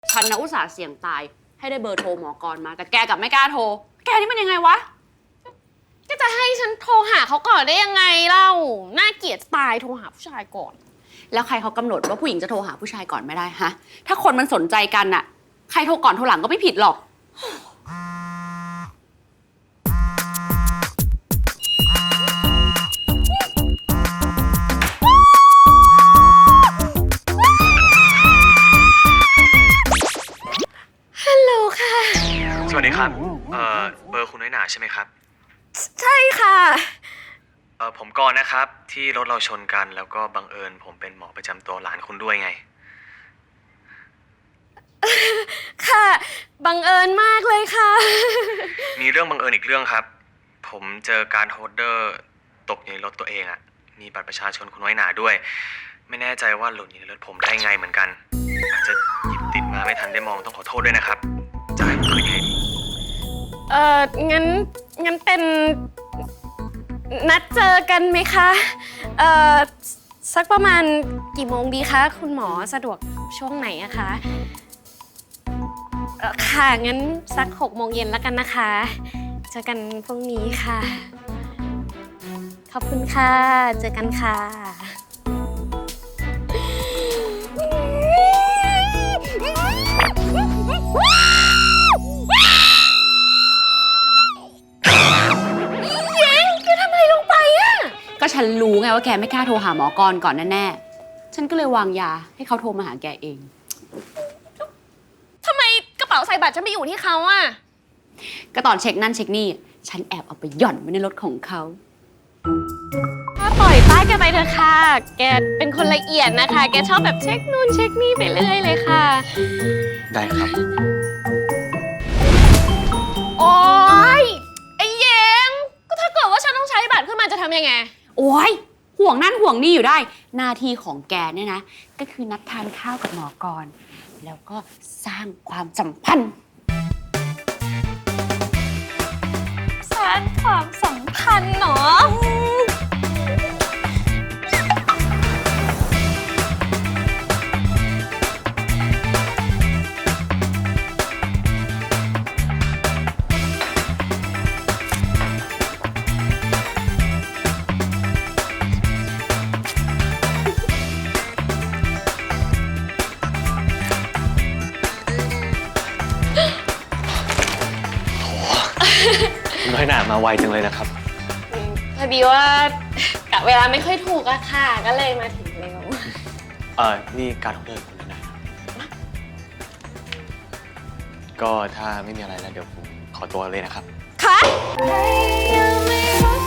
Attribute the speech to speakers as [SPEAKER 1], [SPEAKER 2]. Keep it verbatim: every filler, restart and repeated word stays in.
[SPEAKER 1] ฉันนะอุตส่าห์เสี่ยงตายให้ได้เบอร์โทรหมอกรมาแต่แกกลับไม่กล้าโทรแกนี่มันยังไงวะ
[SPEAKER 2] ก็จะให้ฉันโทรหาเขาก่อนได้ยังไงเล่าน่าเกลียดตายโทรหาผู้ชายก่อน
[SPEAKER 1] แล้วใครเขากำหนดว่าผู้หญิงจะโทรหาผู้ชายก่อนไม่ได้ฮะถ้าคนมันสนใจกันน่ะใครโทรก่อนโทรหลังก็ไม่ผิดหรอก
[SPEAKER 2] ฮัลโหลค่ะ
[SPEAKER 3] สวัสดีครับเอ่อเบอร์คุณน้อยหนาใช่ไหมครับ
[SPEAKER 2] ใช่ค่ะ
[SPEAKER 3] เอ่อผมกรณ์นะครับที่รถเราชนกันแล้วก็บังเอิญผมเป็นหมอประจำตัวหลานคุณด้วยไง
[SPEAKER 2] ค่ะบังเอิญมากเลยค่ะ
[SPEAKER 3] มีเรื่องบังเอิญอีกเรื่องครับผมเจอการโฮลเดอร์ตกอยู่ในรถตัวเองอะมีบัตรประชาชนคุณน้อยหนาด้วยไม่แน่ใจว่าหล่นอยู่ในรถผมได้ไงเหมือนกันอาจจะหยิบติดมาไม่ทันได้มองต้องขอโทษด้วยนะครับจะให้ผมคืนยังไงดี
[SPEAKER 2] เอ่องั้นงั้นเป็นนัดเจอกันไหมคะเอ่อสักประมาณกี่โมงดีคะคุณหมอสะดวกช่วงไหนอะคะเอ่อค่ะงั้นสักหกโมงเย็นแล้วกันนะคะเจอกันพรุ่งนี้ค่ะขอบคุณค่ะเจอกันค่ะ
[SPEAKER 1] ก็ฉันรู้ไงว่าแกไม่กล้าโทรหาหมอกรก่อนแน่ๆฉันก็เลยวางยาให้เขาโทรมาหาแกเอง
[SPEAKER 2] ทำไมกระเป๋าใส่บัตรฉันไปอยู่ที่เขาอะ
[SPEAKER 1] ก็ตอนเช็คนั่นเช็คนี่ฉันแอบเอาไปหย่อนไว้ในรถของเขา
[SPEAKER 2] ถ้าปล่อยป้าแกไปเถอะค่ะแกเป็นคนละเอียดนะคะแกชอบแบบเช็คนู่นเช็คนี่ไปเรื่อยเลยค่ะ
[SPEAKER 3] ได้ครับ
[SPEAKER 2] โอ๊ยไอ้เย้งก็ถ้าเกิดว่าฉันต้องใช้บัตรขึ้นมาจะทำยังไง
[SPEAKER 1] โอ๊ยห่วงนั่นห่วงนี่อยู่ได้หน้าที่ของแกเนี่ยนะก็คือนัดทานข้าวกับหมอกรแล้วก็สร้างความสัมพันธ์
[SPEAKER 2] สร้างความสัมพันธ์เหรอ
[SPEAKER 3] น้อยหนามาไวจังเลยนะครับ
[SPEAKER 2] พอดีว่ากะเวลาไม่ค่อยถูกอะค่ะก็เลยมาถึงเร็ว
[SPEAKER 3] เออนี่การโฮลเดอร์คุณน้อยหนาก็ถ้าไม่มีอะไรแล้วเดี๋ยวผมขอตัวเลยนะครับ
[SPEAKER 2] ค่ะ